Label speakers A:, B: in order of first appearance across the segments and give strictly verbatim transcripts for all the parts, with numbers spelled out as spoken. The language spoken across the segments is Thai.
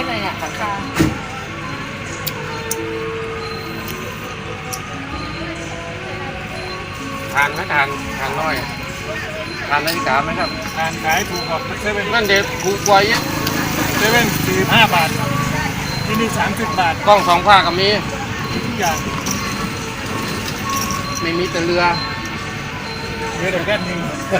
A: เลยเนี่ยสังคา
B: ทานไหมทานทานน้อยทานนาฬิกาไหมครับ
C: ทานขายถูกกว่าเซเว่น
B: นั่นเด็กถูกกว่าเยอะ
C: เซเว่นสี่สิบห้าบาทที่นี่สามสิบบาท
B: กล้องสองผ้าก็มี
C: ทุกอย่าง
B: ไม่มีแต่เรือ
C: เรือแต่แค่หนึ่ง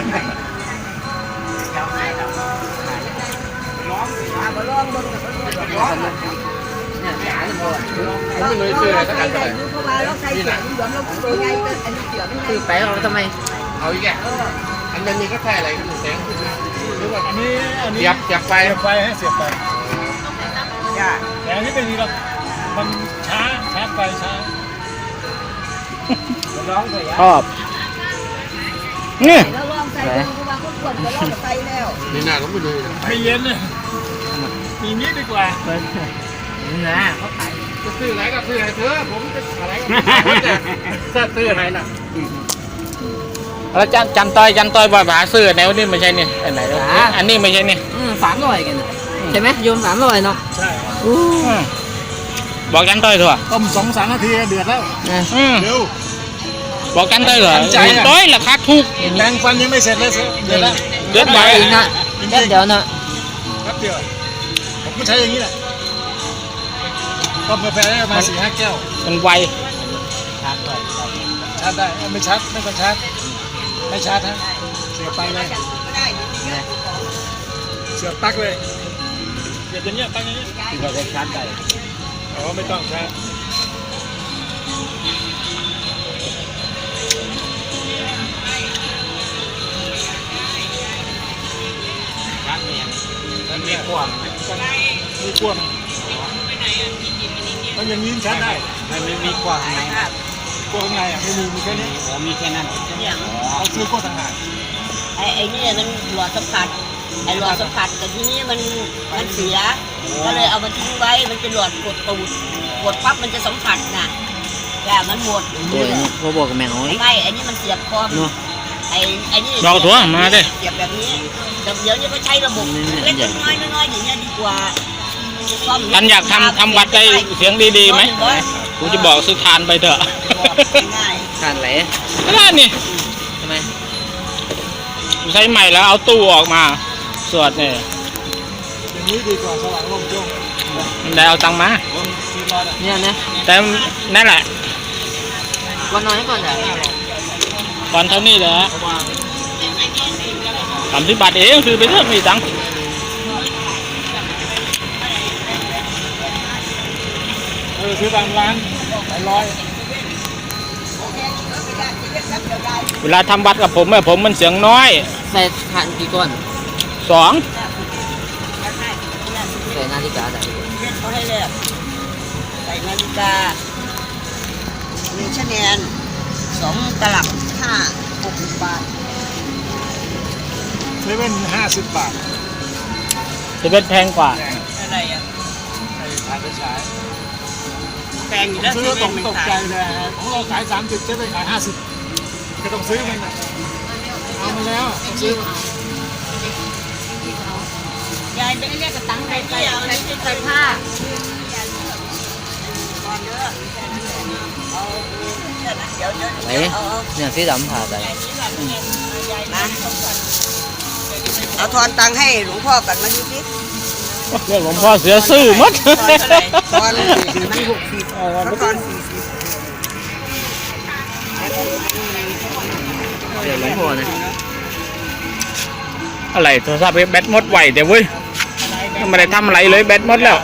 B: ผมไม่เลยซื้ออะไรสักอันเลยนี่แหละ
A: คือไปเอาทำไม
B: เอาอีกแกอันนี้ก็ใช่อะไรก็แสงหรือว่า
C: อันนี้อันนี้
B: เสียบเสียบไฟ
C: เสียบไฟให้เสียบไฟแต่อันนี้เป็นนี่เรามันช้าชาร์จไฟช้า
A: ร้องเลย
D: ชอบนี่
B: นี่น่าก็ไม่เลย
C: ไม่เย็นเลยมีนี้ดีกว่า
A: นี่นะเขาขาย
B: จะซื้อไหนก็ซื้อไหนเถอะผมจะอะไรก็จะซื้อไหนน่ะ
D: แล้วจันจันต้อยจันต้อยบ่อยหาซื้อแนวนี้ไม่ใช่นี่อันไหนอันนี้ไม่ใช่นี่
A: สามร้อยกันใช่ไหมโยมสามร้อยเนาะ
C: ใช่
D: บอกจันต้อยเถอะ
C: ต้มสองสามนาทีเดือดแล้วเร็ว
D: บอกจันต้อยเหรอต้อยราคาถูก
C: แปรงฟันยังไม่เสร็จเลยเดือดแล้ว
D: เดือดไป
A: อีกนะแค่เดี๋ยวนะ
C: แป๊บเดียวผมก็ใช้อย่างนี้แหละต้มกาแฟได้ประมาณสี่ห้าแก้ว
D: มันไว
C: ชาร์จได้ชาร์จได้ไม่ชาร์จไม่ต้องชาร์จไม่ชาร์จฮะเสียบไปเลยเสียบปลั๊กเลยเสียบอย่างเงี้ยปลั๊กอย่างเงี้ย
D: ที่เราจะชาร์จได้
C: อ๋อไม่ต้องชาร์จ
B: ชาร์จเนี่ยมันมีขวาง
C: มีขวางมันอย่างนี้ชาร์จได้
B: มันไม่มีขวางไหน
C: ขวางไงอ่ะไม่มีมีแค่นี้
B: อ๋อมีแค่นั้น
C: เอาซื้อขวดต่างหาก
E: ไอ้ไอ้นี่มันหลอดสัมผัสไอ้หลอดสัมผัสแต่ทีนี้มันมันเสียก็เลยเอามาทิ้งไว้มันจะหลอดกดตูดกดปั๊บมันจะสัมผัสน่ะแต่มันหมด
A: ตัวนี้เขาบอกกับแมว
E: ไม่ไอ้นี่มันเสียบคอมไอ้ไอ้นี่
D: เราถั่วมาดิ
E: เสียบแบบนี้แต่เดี๋ยวนี้ก็ใช้ระบบเล็กน้อยน้อยอย่างเงี้ยดีกว่า
D: ท่านอยากทำทำวัดได้เสียงดีๆไหมกูจะบอกซื้อทานไปเถอะ
A: ทานไหน
D: ก็ได้นี่
A: ทำไม
D: ใช้ใหม่แล้วเอาตู้ออกมาสวดเนี่ย
C: อย่างนี้ดีกว่าสว่างโล่งโจ้ง
D: มันได้เอาตังค์มา
A: เนี่ยนะ
D: แต่นั่นแหละ
A: วันน้อยก่อนเหรอ
D: ก่อนเท่านี้เลยฮะสามสิบบาทเองคือไปเถอะมีตังค์
C: เออซื้อตามร้านหลายร้อย
D: เวลาทำวัดกับผมเนี่ยผมมันเสียงน้อย
A: ใส่ทานกี่ก้อน
D: สอง
A: ใส่นาฬิกาใส่
E: เขาให้เลือกใส่นาฬิกาหนึ่งชแนลสองตลับห้าหกสิบบาท
C: เซเว่นห้าสิบบาท
D: เซเว่นแพงกว่า
E: อะไรอ่ะ
C: ใส่ทานไปใช้
E: แพงอยู่แล้ว
C: ซื้อตกตกใจเลยของเราขายสามสิบเซเว่นขายห้าสิบก็ต้องซื้อมันเอามาแล้วซื้อย
E: ายจะไม่เรียกกระตังใครไปเอาใช้ใช้ผ้า
A: ไหนเนี่ยสีดำผ่าไป
E: เอาทอนตังให้หลวงพ่อกันมาดูสิ
D: เรื่องหลวงพ่อเสียซื่อมัด
E: ทอนมันหกสิบทอนสี่สิบ
A: เดี๋ยวหลวงพ่อนะ
D: อะไรโทรศัพท์แบตหมดไหวเดี๋ยวเว้ยไม่ได้ทำอะไรเลยแบตหมดแล้ว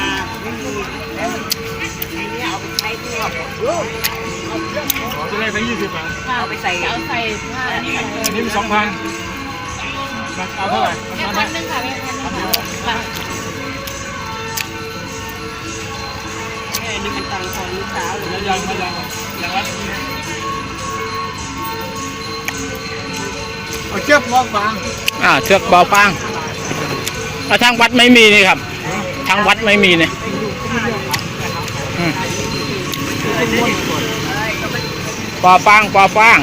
C: จะได้ทั้งยี่สิบบาท
E: เอาไปใส่เอาใส่ผ้าอันนี้
C: อันนี้สองพันเอาเท่าไหร่พันหนึ่งค่ะพัน
E: อันนี้มันตังค์ของลูกสาว
C: ยังยังยังยังวัดเอาเชือกบอฟาง
D: อ่าเชือกบอฟางทางวัดไม่มีนี่ครับทางวัดไม่มีเนี่ยปอฟางปอฟาง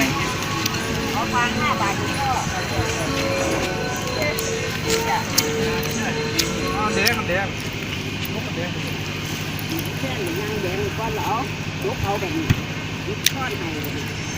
C: เด็กเด็ก
B: เด้อ
E: แค่หนึ่งนางแดงก้อนเหรอลุกเอาแบบนี้ลุกช้อนให้